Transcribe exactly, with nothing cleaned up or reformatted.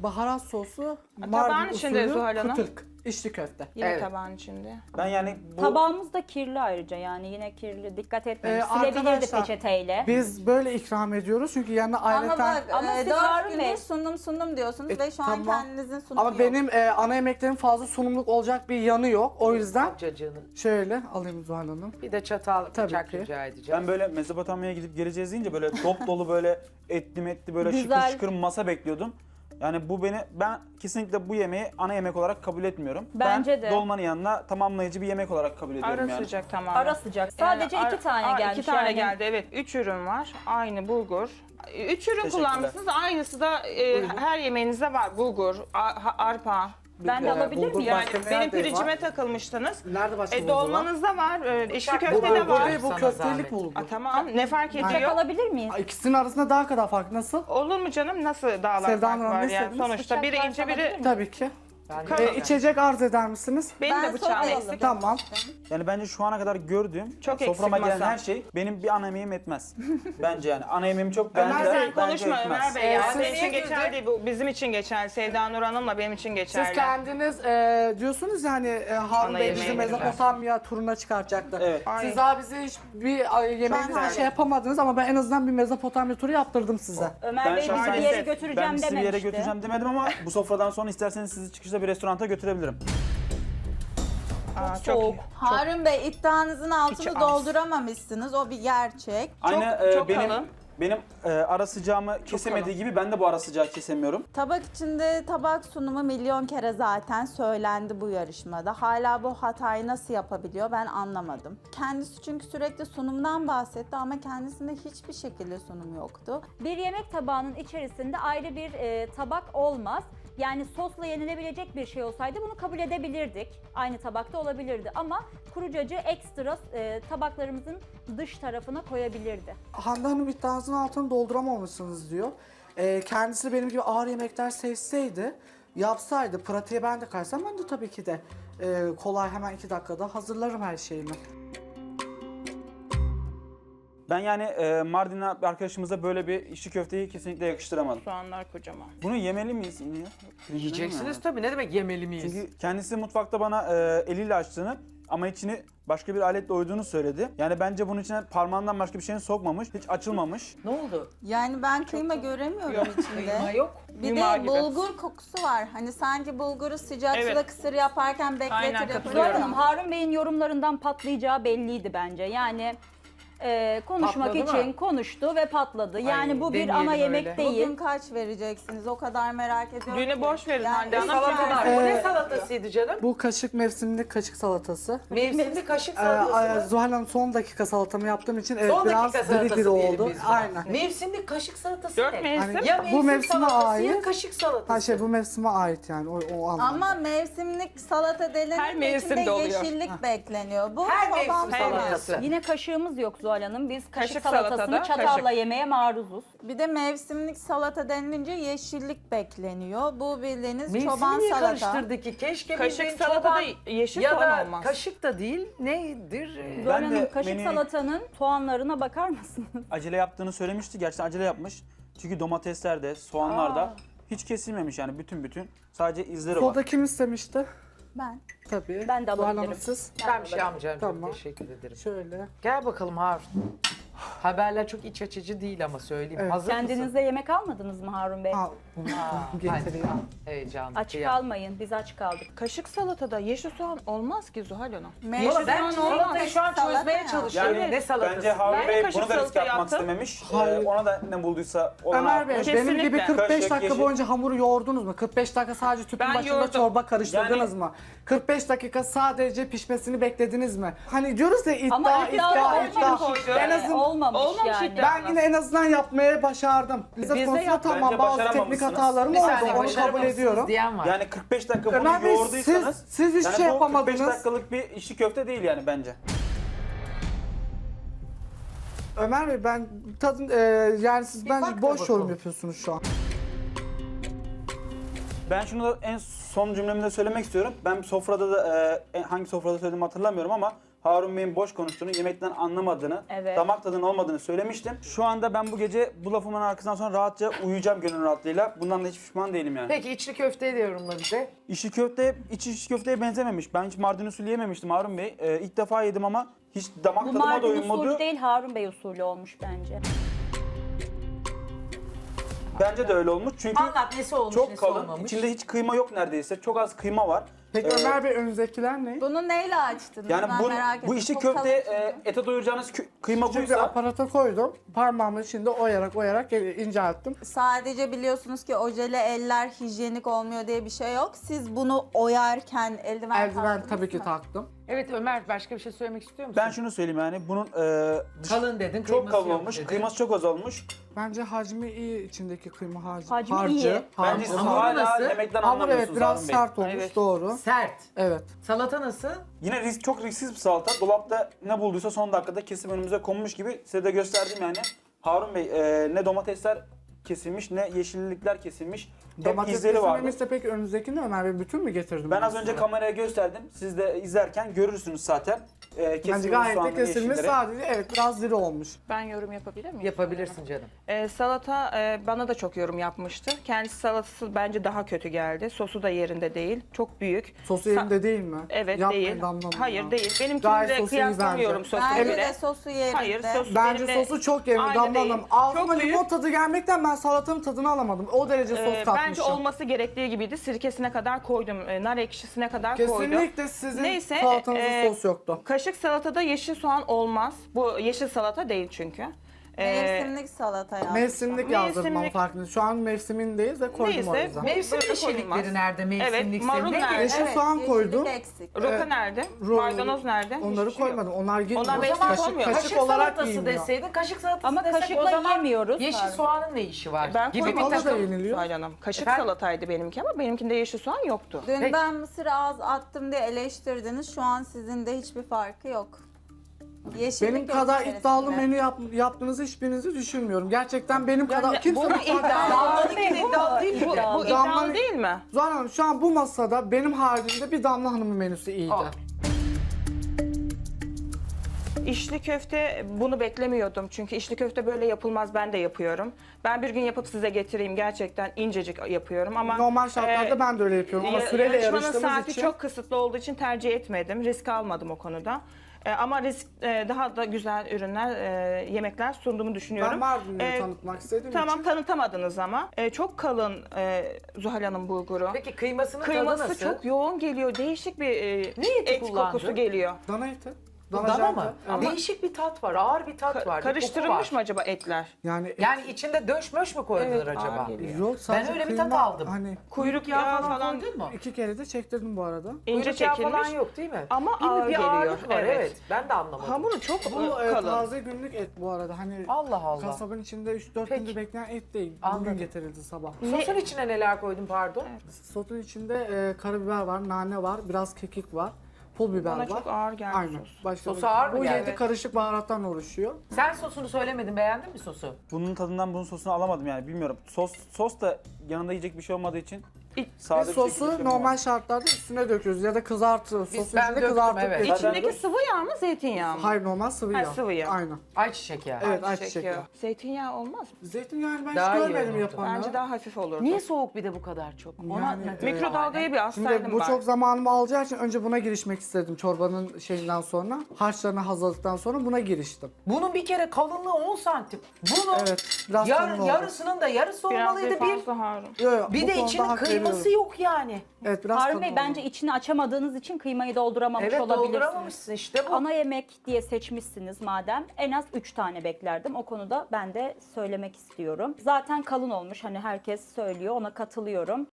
baharat sosu, Tabağın Mardin içinde usulü Zuhal Hanım. kıtırk, içli köfte. Yine Evet. tabağın içinde. Ben yani bu Tabağımız da kirli ayrıca yani yine kirli. Dikkat etmemiş. Ee, Silebilirdi arkadaşlar, peçeteyle. Biz böyle ikram ediyoruz çünkü yanına Ama ayrıca... bak Ama e, siz dört Harun gündür Bey- sundum sundum diyorsunuz E, ve şu an tamam. kendinizin sunumu Ama yok. benim e, ana yemeklerim fazla sunumluk olacak bir yanı yok. O yüzden Cacığını. şöyle alayım Zuhal Hanım. Bir de çatal Tabii bıçak ki. rica edeceğim. ben böyle Mezopotamya'ya gidip geleceğiz deyince böyle dop dolu böyle etli metli böyle Güzel. şıkır şıkır masa bekliyordum. Yani bu beni, ben kesinlikle bu yemeği ana yemek olarak kabul etmiyorum. Bence ben de. dolmanın yanına tamamlayıcı bir yemek olarak kabul ediyorum Ara yani. sıcak tamam. Ara sıcak. Sadece Yani iki ar- tane ar- gelmiş. İki tane yani. geldi evet. Üç ürün var. Aynı bulgur. Üç ürün Teşekkürler. kullanmışsınız. Aynısı da e, her yemeğinizde var. Bulgur, a- ha- arpa. Ben de Ee, alabilir bulgur miyim? Yani başka benim nerede pirincime var? takılmıştınız. Nerede başka E, bulgur var? dolmanızda var. E, içli Bıçak- Bu köfte de bulgur var. değil, bu Sana köftelik zahmet. bulgur. A, tamam. Ne fark Bıçak ediyor? alabilir miyiz? İkisinin arasında daha kadar fark nasıl? Olur mu canım? Nasıl dağlar Sevda fark Hanım, var ne yani istediniz? sonuçta. Bıçak Biri varsa ince biri... alabilir miyim? Tabii ki. Ben Tamam. E, içecek arz eder misiniz? Benim Ben de bıçağım soda eksik. Tamam. Yani bence şu ana kadar gördüğüm, Çok soframa eksik gelen masa. her şey benim bir ana yemeğim etmez. Bence yani ana yemeğimi çok Ömer bence, Bey, Sen bence konuşma etmez. Ömer Bey ya. Ee, Senin siz için niye geçerli değil. Bu bizim için geçerli. Sevda Nur Hanım'la benim için geçerli. Siz kendiniz e, diyorsunuz yani e, Harun Ana Bey bizi yemeğini Mezopotamya turuna çıkartacaktı. Evet. Ay. Siz daha bize hiç bir e, yemeğinizde Ben- şey yapamadınız ama ben en azından bir Mezopotamya turu yaptırdım size. Ömer Ben Bey bizi şahsen bir yere size- götüreceğim Ben sizi bir yere dememişti. götüreceğim demedim ama bu sofradan sonra isterseniz sizi çıkışta bir restoranta götürebilirim. Aa, Çok soğuk. Harun Bey iddianızın altını İçi az. dolduramamışsınız. O bir gerçek. Aynı e, çok benim kalın. benim e, ara sıcağımı kesemediği gibi ben de bu ara sıcağı kesemiyorum. Tabak içinde tabak sunumu milyon kere zaten söylendi bu yarışmada. Hala bu hatayı nasıl yapabiliyor ben anlamadım. Kendisi çünkü sürekli sunumdan bahsetti ama kendisinde hiçbir şekilde sunum yoktu. Bir yemek tabağının içerisinde ayrı bir e, tabak olmaz. Yani sosla yenilebilecek bir şey olsaydı bunu kabul edebilirdik. Aynı tabakta olabilirdi ama kurucacı ekstra e, tabaklarımızın dış tarafına koyabilirdi. Hande Hanım iddianızın altını dolduramamışsınız diyor. E, kendisi benim gibi ağır yemekler sevseydi, yapsaydı, pratiğe ben de kaysam ben de tabii ki de e, kolay hemen iki dakikada hazırlarım her şeyimi. Ben yani e, Mardin'le bir arkadaşımıza böyle bir içli köfteyi kesinlikle yakıştıramadım. Soğanlar kocaman. Bunu yemeli miyiz yine? Yiyeceksiniz tabii. Ne demek yemeli miyiz? Çünkü kendisi mutfakta bana e, eliyle açtığını ama içini başka bir aletle oyduğunu söyledi. Yani bence bunun içine parmağından başka bir şeyini sokmamış, hiç açılmamış. Ne oldu? Yani ben kıyma göremiyorum içinde. Kıyma yok. Bir Yumağı de gibi. bulgur kokusu var. Hani sanki bulguru sıcak Evet. suda kısır yaparken Aynen, bekletir katılıyorum. Zuhal yapılıyor. Hanım, Harun Bey'in yorumlarından patlayacağı belliydi bence. Yani e, konuşmak Patladı için mı? konuştu ve patladı. Yani Ay, bu bir demeyelim ana yemek öyle. değil. Bugün kaç vereceksiniz? O kadar merak ediyorum. Düğünü ki. boş verin Yani Hande Hanım. Salatalar. Çünkü- Bu ne Ee, salatasıydı canım? Bu kaşık mevsimlik kaşık salatası. Mevsimli kaşık Ee, salatası mı? Zuhal Hanım son dakika salatamı yaptığım için evet Son biraz dakika diri salatası diri diyelim oldu. biz buna. Aynen. Mevsimli kaşık salatası Dört ne? mevsim. Hani- Ya Bu mevsim mevsime salatası ya ait. kaşık salatası. Ha şey bu mevsime ait yani o, o anlamda. Ama mevsimlik salata denilince Her mevsimde içinde oluyor. yeşillik bekleniyor. Bu Her babam mevsim falan. salatası. Yine kaşığımız yok Zuhal Hanım. Biz kaşık, Kaşık salatasını salatada çatalla kaşık. yemeye maruzuz. Bir de mevsimlik salata denilince yeşillik bekleniyor. Bu bildiğiniz Mevsimi çoban niye salata. karıştırdı ki? Keşke Kaşık bildiğin salatada çoban- yeşil ya soğan da olmaz. kaşık da değil nedir? Ee, Zuhal Ben de Hanım, kaşık menü- salatanın soğanlarına bakar mısınız? Acele yaptığını söylemişti. Gerçekten acele yapmış. Çünkü domatesler de, soğanlar da hiç kesilmemiş yani bütün bütün. Sadece izleri var. Soda kim istemişti? Ben. Tabii. Ben de Zuhal Hanım alabilirim. siz. Ben bir şey almayacağım. Çok Tamam. teşekkür ederim. Şöyle. Gel bakalım Harun. Haberler çok iç açıcı değil ama söyleyeyim. Evet. Hazır mısın? Kendinizde yemek almadınız mı Harun Bey? Al. Hadi. Getireyim. Heyecanlı. Aç kıyam. kalmayın, biz aç kaldık. Kaşık salatada yeşil soğan olmaz ki Zuhal Hanım. Mevsim Valla ben soğan olmaz. salatayı şu an Salata çözmeye ya. çalışıyorum. Yani ne salatası? bence Harun Ben Bey kaşık bunu da risk salata yapmak yaptım. istememiş. Ee, Hayır. ona da ne bulduysa ona Ömer Bey Kesinlikle. benim gibi kırk beş Kaşık, dakika yeşil. boyunca hamuru yoğurdunuz mu? kırk beş dakika sadece tüpün Ben başında yoğurdum. çorba karıştırdınız Yani- mı? kırk beş dakika sadece pişmesini beklediniz mi? Hani diyoruz ya iddia, Ama iddia, iddia iddia. olmamış. En azından Olmamış, Olmamış yani. iddia. ben yine en azından yapmaya başardım. Lezzet Biz de konusunda yaptık. tamam Bence bazı teknik başaramamışsınız. hatalarım Bir oldu. saniye Onu kabul başaramamışsınız ediyorum. diyen var. Yani kırk beş dakika bunu Ömer Bey yoğurduysanız siz, siz hiç yani şey bu kırk beş yapamadınız. dakikalık bir içli köfte değil yani bence. Ömer Bey ben tadın e, yani siz bence bak da boş yorum bakalım. yapıyorsunuz şu an. Ben şunu da en son cümlemde söylemek istiyorum. Ben sofrada da e, hangi sofrada söylediğimi hatırlamıyorum ama Harun Bey'in boş konuştuğunu, yemekten anlamadığını, Evet. damak tadının olmadığını söylemiştim. Şu anda ben bu gece bu lafımın arkasından sonra rahatça uyuyacağım gönül rahatlığıyla. Bundan da hiç pişman değilim yani. Peki içli köfteyi de yorumla bize. İçli köfte, iç içli köfteye benzememiş. Ben hiç Mardin usulü yememiştim Harun Bey. Ee, ilk defa yedim ama hiç damak Bu tadıma da Mardin uymadı. usulü değil, Harun Bey usulü olmuş bence. Bence de öyle olmuş çünkü Anlat nesi olmuş çok nesi kalın. olmamış. İçinde hiç kıyma yok neredeyse. Çok az kıyma var. Peki Ee, Ömer Bey önünüzdekiler ne? Bunu neyle açtınız? Yani ben bu, merak ettim. bu içli Çok köfte kalın e, ete doyuracağınız kü- kıyma Çünkü buysa aparata koydum. Parmağımın içinde oyarak oyarak incelttim. Sadece biliyorsunuz ki ojeli eller hijyenik olmuyor diye bir şey yok. Siz bunu oyarken eldiven Eldiven taktınız tabii ki mı? taktım. Evet Ömer başka bir şey söylemek istiyor musun? ben şunu söyleyeyim yani bunun e, dışı Kalın dedin, çok kıyması kalın yok olmuş. dedin. Kıyması çok az olmuş. Bence hacmi iyi içindeki kıyma harcı. Hacmi harcı, iyi. Bence harcı. siz Hamuru hala nasıl? yemekten Hamur evet anlamıyorsunuz biraz Harun Bey. sert olmuş Evet. doğru. Sert. Evet. Salata nasıl? Yine risk, çok risksiz bir salata. Dolapta ne bulduysa son dakikada kesip önümüze konmuş gibi size de gösterdim yani. Harun Bey e, ne domatesler kesilmiş ne yeşillikler kesilmiş. Hep Domates izleri vardı. kesilmemişse peki önünüzdekini Ömer Bey bütün mü getirdim? Ben az size? önce kameraya gösterdim. Siz de izlerken görürsünüz zaten. E, Bence kesilmiş gayet de soğanları, kesilmiş yeşilleri. sadece evet biraz diri olmuş. Ben yorum yapabilir miyim? Yapabilirsin canım. Ee, salata e, bana da çok yorum yapmıştı. Kendisi salatası bence daha kötü geldi. Sosu da yerinde değil. Çok büyük. Sosu Sa- yerinde değil mi? Evet Yapmayın değil. Damla Hanım Hayır ya. değil. Gayet Benimkini sosu iyi kıyaslamıyorum bence. sosu Bence bile. de sosu yerinde. Hayır sos Bence benimle sosu çok yerinde aynı Damla değil. Hanım. Ağzıma Çok büyük. limon tadı gelmekten ben salatanın tadını alamadım. O derece sos Ee, katmışım. bence olması gerektiği gibiydi. Sirkesine kadar koydum. e, nar ekşisine kadar koydum. Kesinlikle sizin Neyse, salatanızda e, sos yoktu. Kaşık salatada yeşil soğan olmaz. Bu yeşil salata değil çünkü. Ee, Mevsimlik salata yaptım. Mevsimlik yazdırmam mevsimlik- farkında. Şu an mevsimindeyiz ve koydum Neyse, o yüzden. Mevsim Böyle yeşillikleri koyulmaz. nerede? Mevsimlik marul ne? nerede? Yeşil soğan yeşillik koydum. eksik. Roka Evet. nerede? Ro- Maydanoz nerede? Onları Hiçbir şey yok. koymadım. Onlar girmiyor. Onlar O beş zaman kaşık olmuyor. kaşık kaşık olarak salatası giymiyor. deseydin, kaşık salatası Ama desek kaşıkla o zaman yiyemiyoruz. yeşil Pardon. soğanın ne işi var? Ben gibi bir koymadım. Salata da takım. yeniliyor. Zuhal Hanım. Kaşık Efendim? salataydı benimki ama benimkinde yeşil soğan yoktu. Dün Peki. ben mısır az attım diye eleştirdiniz. Şu an sizin de hiçbir farkı yok. Yeşillik Benim yok kadar içerisinde. iddialı menü yap, yaptığınızı hiçbirinizi düşünmüyorum. Gerçekten benim kadar Yani kimse bu mutfakta- iddialı. Damla'nınki iddialı değil mi? Bu, bu Damla- iddialı değil mi? Zuhal Hanım şu an bu masada benim haricimde bir Damla Hanım'ın menüsü iyiydi. Aa. İçli köfte bunu beklemiyordum. Çünkü içli köfte böyle yapılmaz, ben de yapıyorum. Ben bir gün yapıp size getireyim, gerçekten incecik yapıyorum ama... Normal şartlarda e, ben de öyle yapıyorum ama ya- süreyle yarışmanın yarıştığımız saati için. çok kısıtlı olduğu için tercih etmedim. Risk almadım o konuda. E, ama risk e, daha da güzel ürünler, e, yemekler sunduğumu düşünüyorum. Ben Mardin'i E, tanıtmak istediğim Tamam, için. tanıtamadınız ama. E, çok kalın e, Zuhal Hanım bulguru. Peki kıymasının tadı Kıyması nasıl? çok yoğun geliyor. Değişik bir e, Ne eti et kullandı? kokusu geliyor. Dana eti. Bu Dana dana janta, mı? evet. Değişik bir tat var, ağır bir tat Ka- var. bir karıştırılmış koku mı var. acaba etler? Yani et- Yani içinde döşmöş mü koydular Evet, acaba? ağır geliyor. yok sadece öyle bir tat kıyma, aldım. Hani Kuyruk yağı falan koydun mu? iki kere de çektirdim bu arada. ince Kuyruk yağı çekilmiş. falan yok değil mi? Ama bir, ağır bir geliyor. ağırlık var evet. Evet. Ben de anlamadım. Hamuru çok Bu e, e, kalın. taze günlük et bu arada. Hani Allah Allah. kasabın içinde üç dört Peki. gündür bekleyen et değil. Anladım. Bugün getirildi sabah. Sosun içine neler koydun pardon? Sotun içinde e, karabiber var, nane var, biraz kekik var, pul biber Bana var. çok ağır geldi Aynen. sos. Başka Sosu bir- ağır mı Bu geldi? yedi karışık baharattan oluşuyor. Sen sosunu söylemedin, beğendin mi sosu? Bunun tadından bunun sosunu alamadım yani bilmiyorum. Sos sos da yanında yiyecek bir şey olmadığı için İ- sade Biz bir şekilde sosu yapıyorum normal yani. şartlarda üstüne döküyoruz ya da kızartıyoruz. Biz- Sosun ben içinde döktüm, kızartıp evet. geçiyoruz. İçindeki sıvı yağ mı, zeytinyağı mı? Hayır normal sıvı Ha, yağ. sıvı yağ. Aynen. Ayçiçek yağı. Evet Ayçiçek ayçiçek yağı. yağı. Zeytinyağı olmaz mı? Zeytinyağını ben Daha hiç iyi görmedim olurdu. yapanı. Bence daha hafif olurdu. Niye soğuk bir de bu kadar çok? Onu Yani, anladım. e, Mikrodalgaya bir Şimdi alsaydım bu ben. çok zamanımı alacağı için önce buna girişmek istedim çorbanın şeyinden sonra. Harçlarını hazırladıktan sonra buna giriştim. Bunun bir kere kalınlığı on santim. Bunu Evet, biraz yar- kalın oldu. yarısının da yarısı Biraz olmalıydı bir. fazla Harun. Yo, yo, Bir bu de konuda içinin hak kıyması veriyorum. yok yani. Evet biraz Harun kalın Bey oldu. bence içini açamadığınız için kıymayı dolduramamış Evet olabilirsiniz. dolduramamışsın işte bu. Ana yemek diye seçmişsiniz madem. En az üç tane beklerdim. O konuda ben de söylemek istiyorum. Zaten kalın olmuş. Hani herkes söylüyor. Ona katılıyorum.